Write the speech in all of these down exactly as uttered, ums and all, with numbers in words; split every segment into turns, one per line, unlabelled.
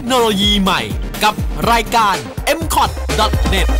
โนโลยีใหม่กับรายการ เอ็ม คอท ดอท เน็ต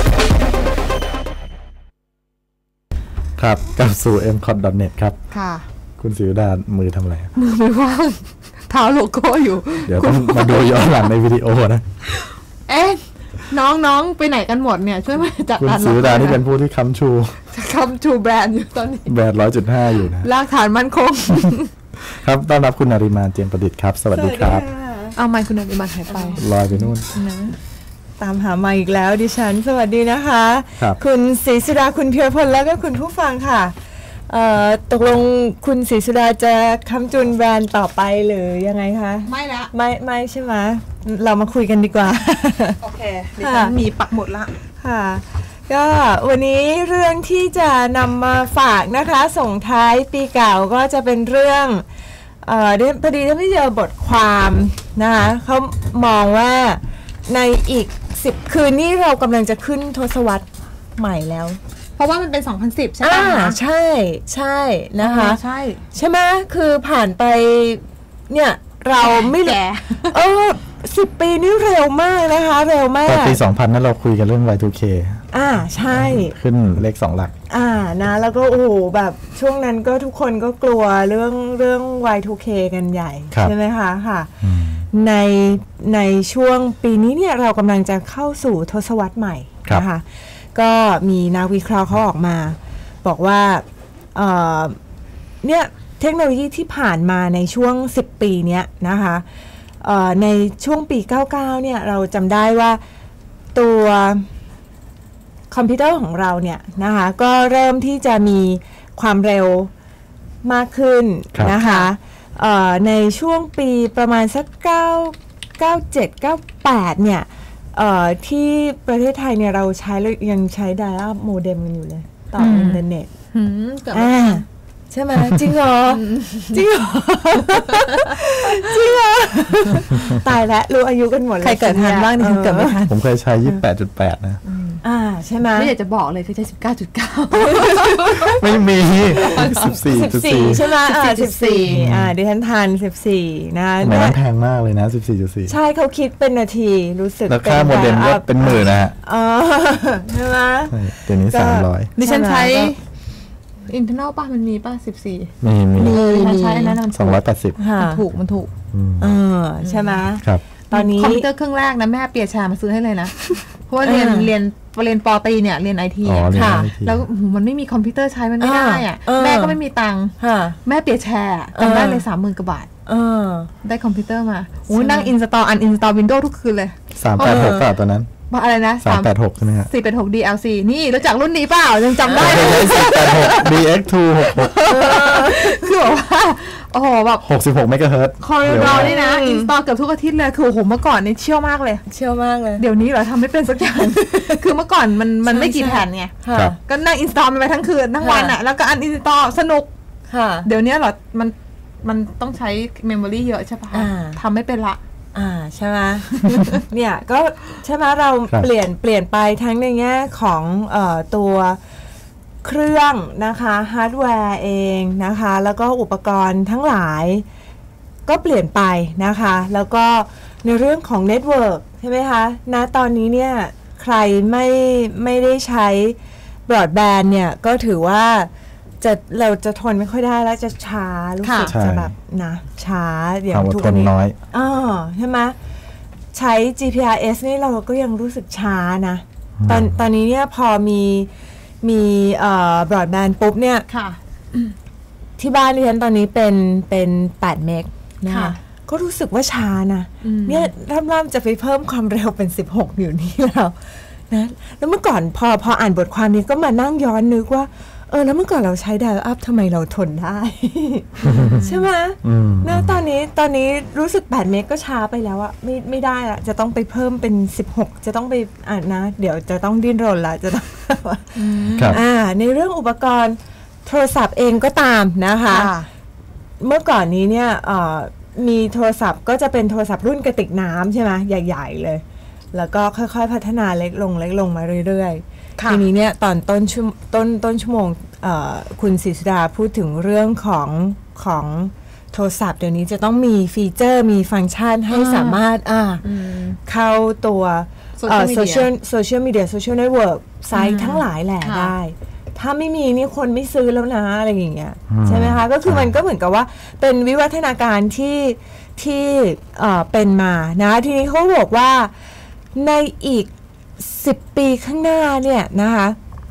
ครับกลับสู่ เอ็ม คอท ดอท เน็ต ครับ
ค่ะ
คุณศิวดามือทำอะไร
มือไม่ว่างเท้าโลโก้อยู่
เดี๋ยวต้องมาดูย้อนหลังในวิดีโอนะ
เอ๊ะน้องๆไปไหนกันหมดเนี่ยช่วยมาจัด
การคุณศิวดานี่เป็นผู้ที่ค้ำชู
ค้ำชูแบรนด์อยู่ตอนนี้
แบรนด์ ร้อยจุดห้า อยู่นะ
รากฐานมั่นคง
ครับต้อนรับคุณนริมาเจียมประดิษฐ์ครับสวัสดีครับ
เอาไมค์คุณนริมาหายไป
ลอยไปนู่น
นะตามหาไมค์อีกแล้วดิฉันสวัสดีนะคะคุณศรีสุดาคุณเพียรพลแล้วก็คุณผู้ฟังค่ะตกลงคุณศรีสุดาจะค้ำจุนแบรนด์ต่อไปหรือยังไงคะ
ไม่ละ
ไม่ไม่ใช่ไหมเรามาคุยกันดีกว่า
โอเคดิฉันมีปักหมดละ
ค่ะก็วันนี้เรื่องที่จะนำมาฝากนะคะส่งท้ายปีเก่าก็จะเป็นเรื่องเอ่อพอดีที่เจอบทความนะคะเขามองว่าในอีกสิบคืนนี้เรากำลังจะขึ้นทศวรรษใหม่แล้ว
เพราะว่ามันเป็นสองพันสิบใช่ไหม
คะใช่ใช่นะคะ
ใช่
ใช่ไหมคือผ่านไปเนี่ยเราไม่แก่เออสิบปีนี่เร็วมากนะคะเร็วมาก
ปีสองพันนั้นเราคุยกันเรื่อง วาย ทู เค
อ่าใช่
ขึ้นเลขสองหลัก
อ่านะแล้วก็โอ้โหแบบช่วงนั้นก็ทุกคนก็กลัวเรื่องเรื่อง วาย ทู เค กันใหญ่ใช่ไหมคะค่ะในในช่วงปีนี้เนี่ยเรากำลังจะเข้าสู่ทศวรรษใหม่นะคะก็มีนักวิเคราะห์เขาออกมาบอกว่าเอ่อเนี่ยเทคโนโลยีที่ผ่านมาในช่วงสิบปีเนี้ยนะคะเอ่อในช่วงปีเก้าสิบเก้าเนี่ยเราจำได้ว่าตัวคอมพิวเตอร์ของเราเนี่ยนะคะก็เริ่มที่จะมีความเร็วมากขึ้นนะคะเอ่อในช่วงปีประมาณสักเก้า เก้าเจ็ด เก้าแปดเนี่ยเอ่อที่ประเทศไทยเนี่ยเราใช้ยังใช้ไดอะโมเด็มกันอยู่เลยต่ออินเทอร์เน็ตอ่าใช่ไหมจริงเหรอจริงเหรอจริงเหรอตายแล้วรู้อายุกันหมดเลย
ใครเกิดทันบ้างดิฉันเกิดไม่ทัน
ผมเคยใช้ ยี่สิบแปดจุดแปด นะ
อ่าใช่ไหม
ไม่อยากจะบอกเลยคือใช้ สิบเก้าจุดเก้า
ไม่มี สิบสี่จุดสี่
ใช่ไหมอ่าสิบสี่อ่าดิฉันทันสิบสี่นะ
มันแพงมากเลยนะ สิบสี่จุดสี่
ใช่เขาคิดเป็นนาทีรู้สึก
ราคาโมเด็มก็เป็นหมื่นนะฮะ
อ๋อใช่ไหม
เดี๋ยวนี้สามร้อย
ดิฉันใช้อินเทอร์เน็ตป่ะมันมีป่ะสิบสี่
มีมี
มีใช้อันนั้น
สองร้อยแปดสิบ
มันถูกมันถูก
เออใช่ไหม
ครับ
ตอนนี้
คอมพิวเตอร์เครื่องแรกนะแม่เปียชามาซื้อให้เลยนะเพราะว่าเรียนเรียนเรียนปอตีเนี่ยเรียนไอที
ค่ะ
แล้วมันไม่มีคอมพิวเตอร์ใช้มันไม่ได้อ่ะแม่ก็ไม่มีตังค์แม่เปียแชร์จำได้เลยสามหมื่นกว่าบาทได้คอมพิวเตอร์มาโอ้นั่งอินสตอลอันอินสตอลวินโดว์ทุกคืนเลย
สามแปดหกก็ตอนนั้น
อะไรนะ
สามแปดหกใช่ไหมฮะ
สี่แปดหก ดี แอล ซี นี่รู้จักรุ่นนี้เปล่ายังจำได้
เลยสี่แปดหก ดี เอ็กซ์ ทู หกสิบหก
คือแบบว่าโอ้โหแบบ
หกสิบหกเมกะเฮิรตซ์
คอร์ดอนี่นะอินสตอลเกือบทุกอาทิตย์เลยคือโอ้โหเมื่อก่อนนี่เชี่ยวมากเลย
เชี่ยวมากเลย
เดี๋ยวนี้เหรอทำไม่เป็นสักอย่างคือเมื่อก่อนมันมันไม่กี่แผ่นไงก็นั่งอินสตอลไปทั้งคืนทั้งวันอ่ะแล้วก็อันอินสตอลสนุกเดี๋ยวนี้เหรอมันมันต้องใช้เมมโมรี่เยอะใช่ปะทำไม่เป็นละ
อ่าใช่ไหม เนี่ยก็ใช่ไหมเราเปลี่ยนเปลี่ยนไปทั้งในแง่ของเอ่อตัวเครื่องนะคะฮาร์ดแวร์เองนะคะแล้วก็อุปกรณ์ทั้งหลายก็เปลี่ยนไปนะคะแล้วก็ในเรื่องของเน็ตเวิร์กใช่ไหมคะณตอนนี้เนี่ยใครไม่ไม่ได้ใช้บรอดแบนด์เนี่ยก็ถือว่าจะเราจะทนไม่ค่อยได้แล้วจะช้ารู้สึกจะแบบนะช้า
อย่างทุกคนน้อย
อ๋อใช่ไหมใช้ จี พี อาร์ เอส นี่เราก็ยังรู้สึกช้านะตอนตอนนี้เนี่ยพอมีมีเอ่อบรอดแบนด์ปุ๊บเนี่ยที่บ้านดิฉันตอนนี้เป็นเป็นแปดเมกนะคะก็รู้สึกว่าช้านะเนี่ยร่ำๆจะไปเพิ่มความเร็วเป็นสิบหกอยู่นี่แล้วนะแล้วเมื่อก่อนพอพออ่านบทความนี้ก็มานั่งย้อนนึกว่าเออแล้วเมื่อก่อนเราใช้ไดอะอัพทำไมเราทนได้ ใช่ไหมนะตอนนี้ตอนนี้รู้สึกแปดเมกก็ช้าไปแล้วอะไม่ไม่ได้ละจะต้องไปเพิ่มเป็นสิบหกจะต้องไปอ่านนะเดี๋ยวจะต้องดิ้นรนละจะต้องอ่าในเรื่องอุปกรณ์โทรศัพท์เองก็ตามนะคะเมื่อก่อนนี้เนี่ยมีโทรศัพท์ก็จะเป็นโทรศัพท์รุ่นกระติกน้ำใช่ไหมใหญ่ๆเลยแล้วก็ค่อยๆพัฒนาเล็กลงเล็กลงมาเรื่อยๆทีนี้เนี่ยตอนต้นชั่วต้นต้นชั่วโมงคุณศรีสุดาพูดถึงเรื่องของของโทรศัพท์เดี๋ยวนี้จะต้องมีฟีเจอร์มีฟังก์ชันให้สามารถอ่าเข้าตัวโซเชียลโซเชียลมีเดียโซเชียลเน็ตเวิร์กไซต์ทั้งหลายแหละได้ถ้าไม่มีนี่คนไม่ซื้อแล้วนะอะไรอย่างเงี้ยใช่ไหมคะก็คือมันก็เหมือนกับว่าเป็นวิวัฒนาการที่ที่เอ่อเป็นมานะทีนี้เขาบอกว่าในอีกสิบปีข้างหน้าเนี่ยนะคะ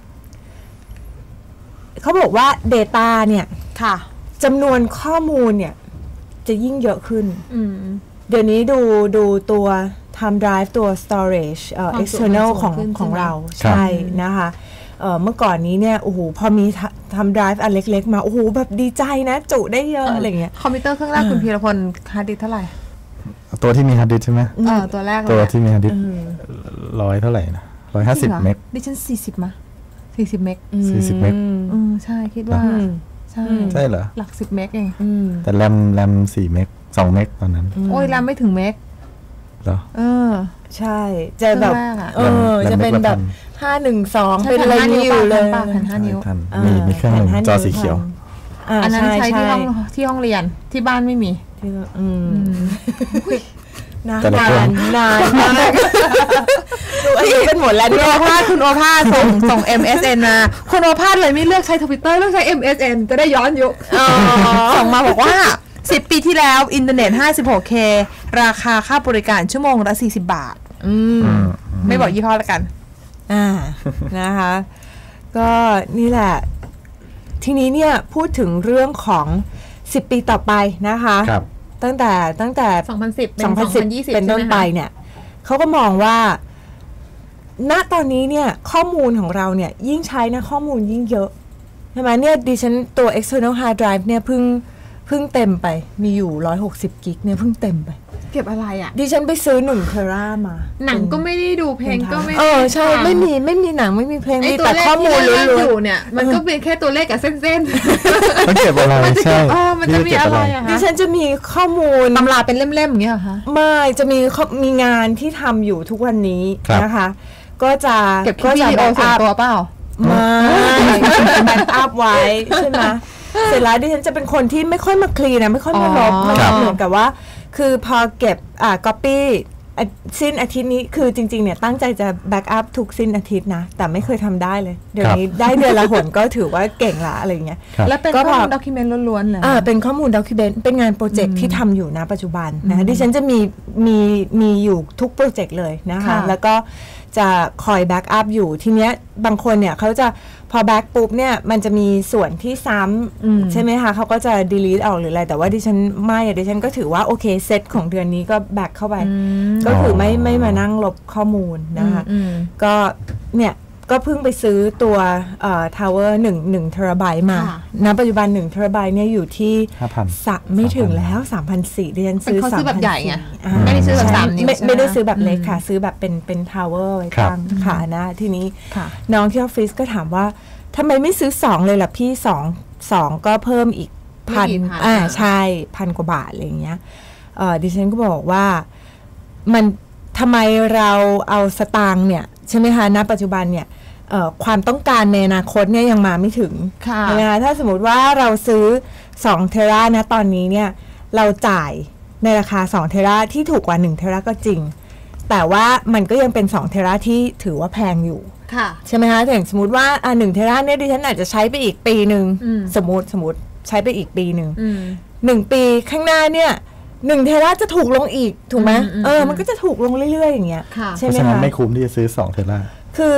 เขาบอกว่า Data เนี่ยค่ะจำนวนข้อมูลเนี่ยจะยิ่งเยอะขึ้นเดี๋ยวนี้ดูดูตัว Time Drive ตัว Storage เอ่อ external ของของเราใช่นะคะเอ่อเมื่อก่อนนี้เนี่ยโอ้โหพอมีทำ drive อันเล็กๆมาโอ้โหแบบดีใจนะจุได้เยอะอะไรเงี้ย
คอมพิวเตอร์เครื่องแรกคุณพีรพลฮาร์ดดิสก์เท่าไหร่
ตัวที่มีฮาร์ดดิสก์ใช่ไหม
เออตัวแรก
ตัวที่มีฮาร์ดดิสก์ร้อยเท่าไหร่นะร้อยห้าสิบเมก
ดิฉันสี่สิบมะสี่สิบเมก
สี่สิบเมก
อืมใช่คิดว่าใช่
ใช่เหรอ
หลักสิบเมกเอง
แต่แรมแรมสี่เมกสองเมกตอนนั้น
โอ้ยแรมไม่ถึงเมก
เหรอ
เออ
ใช่จะแบบเออจะเป็นแบบห้าหนึ่งสองเป็นอะไรนี่อยู่เลย
แผ่นห้านิ้ว
มีมีเครื่องนึงจอสีเขียว
อันนั้นใช้ที่ห้องที่ห้องเรียนที่บ้านไม่มี
อืมนานนานนานดูอายุเป็นหมดแล้ว
คุณโอภาสคุณโอภาสส่งส่ง เอ็ม เอส เอ็น มาคุณโอภาสเลยไม่เลือกใช้ Twitter เลือกใช้ เอ็ม เอส เอ็น จะได้ย้อนยุคส่งมาบอกว่าสิบปีที่แล้วอินเทอร์เน็ต ห้าสิบหกเค ราคาค่าบริการชั่วโมงละสี่สิบบาทอืมไม่บอกยี่ห้อแล้วกัน
อ่านะคะก็นี่แหละทีนี้เนี่ยพูดถึงเรื่องของสิบปีต่อไปนะคะตั้งแต่ตั้งแต่
สองพันสิบ
เป็นสองพันยี่สิบเป็นต้นไปเนี่ยเขาก็มองว่าณตอนนี้เนี่ยข้อมูลของเราเนี่ยยิ่งใช้นะข้อมูลยิ่งเยอะใช่ไหมเนี่ยดิฉันตัว external hard drive เนี่ยเพิ่งเพิ่งเต็มไปมีอยู่หนึ่งร้อยหกสิบกิกเนี่ยเพิ่งเต็มไป
เก็บอะไรอ่ะ
ดิฉันไปซื้อหนึ่งเทรามา
หนังก็ไม่ได้ดูเพลงก็ไม่
เออใช่ไม่มีไม่มีหนังไม่มีเพลงมีแต่
ข้
อมูลล้วน
ๆอยู่เนี่ยมันก็เป็นแค่ตัวเลขกับเส้น
ๆมันเก็บอะไรใช่
มันจะมีอะไรอ่ะ
ดิฉันจะมีข้อมูล
ตำราเป็นเล่มๆอย่างเงี้ยเหรอคะ
ไม่จะมีมีงานที่ทำอยู่ทุกวันนี้นะคะก็จะ
เก็บวิดีโอส่วนตัวเปล่า
ไม่แบ็คอัพไว้ใช่ไหมเสร็จแล้วดิฉันจะเป็นคนที่ไม่ค่อยมาคลีนนะไม่ค่อยมาลบมันเหมือนกับว่าคือพอเก็บอ่า copy สิ้นอาทิตย์นี้คือจริงๆเนี่ยตั้งใจจะแบ็กอัพทุกสิ้นอาทิตย์นะแต่ไม่เคยทำได้เลยเดี๋ยวนี้ได้เดือนละหนก็ถือว่าเก่งละอะไรเงี้ย
แล้วเป็นข้อมูลด็อกิเมนต์ล้วนๆเลย
อ่าเป็นข้อมูลด็อกิเมนต์เป็นงานโปรเจกต์ที่ทำอยู่นะปัจจุบันนะดิฉันจะมีมีมีอยู่ทุกโปรเจกต์เลยนะคะแล้วก็จะคอยแบ็กอัพอยู่ทีเนี้ยบางคนเนี่ยเขาจะพอแบ็กปุ๊บเนี่ยมันจะมีส่วนที่ซ้ำใช่ไหมคะเขาก็จะ delete ออกหรืออะไรแต่ว่าดิฉันไม่อะดิฉันก็ถือว่าโอเคเซตของเดือนนี้ก็แบ็กเข้าไปก็คือไม่ไม่มานั่งลบข้อมูลนะคะก็เนี่ยก็เพิ่งไปซื้อตัวเอ่อทาวเวอร์หนึ่งหนึ่งเทราไบต์มาณปัจจุบันหนึ่งเทราไบต์เนี่ยอยู่ที่
ห้าพัน
สักไม่ถึงแล้ว สามพันสี่ร้อย ดิฉันซื้อ
สามพันสี่ร้อยแบบใหญ่ไงไม่ได้ซื้อแบบสามนิ้ว
ไม่ได้ซื้อแบบเล็กค่ะซื้อแบบเป็นเป็นทาวเวอร์ไว้ตั้งค่ะนะทีนี้น้องที่ออฟฟิศก็ถามว่าทำไมไม่ซื้อสองเลยล่ะพี่สองสองก็เพิ่มอีกพันอ่าใช่พันกว่าบาทอะไรอย่างเงี้ยเออดิฉันก็บอกว่ามันทำไมเราเอาสตางค์เนี่ยใช่ไหมคะณปัจจุบันเนี่ยความต้องการในอนาคตเนี่ยยังมาไม่ถึงใช่ไหมคะถ้าสมมติว่าเราซื้อสองเทรานะตอนนี้เนี่ยเราจ่ายในราคาสองเทราที่ถูกกว่าหนึ่งเทราก็จริงแต่ว่ามันก็ยังเป็นสองเทราที่ถือว่าแพงอยู่ใช่ไหมคะอย่างสมมติว่าอ่าหนึ่งเทราเนี่ยดิฉันอาจจะใช้ไปอีกปีหนึ่งสมมติสมมติใช้ไปอีกปีหนึ่งหนึ่งปีข้างหน้าเนี่ยหนึ่งเทราจะถูกลงอีกถูกไหมเออมันก็จะถูกลงเรื่อยๆอย่างเงี้ยใช่ไหมคะ
เพราะฉะนั้นไม่คุ้มที่จะซื้อสองเทรา
คือ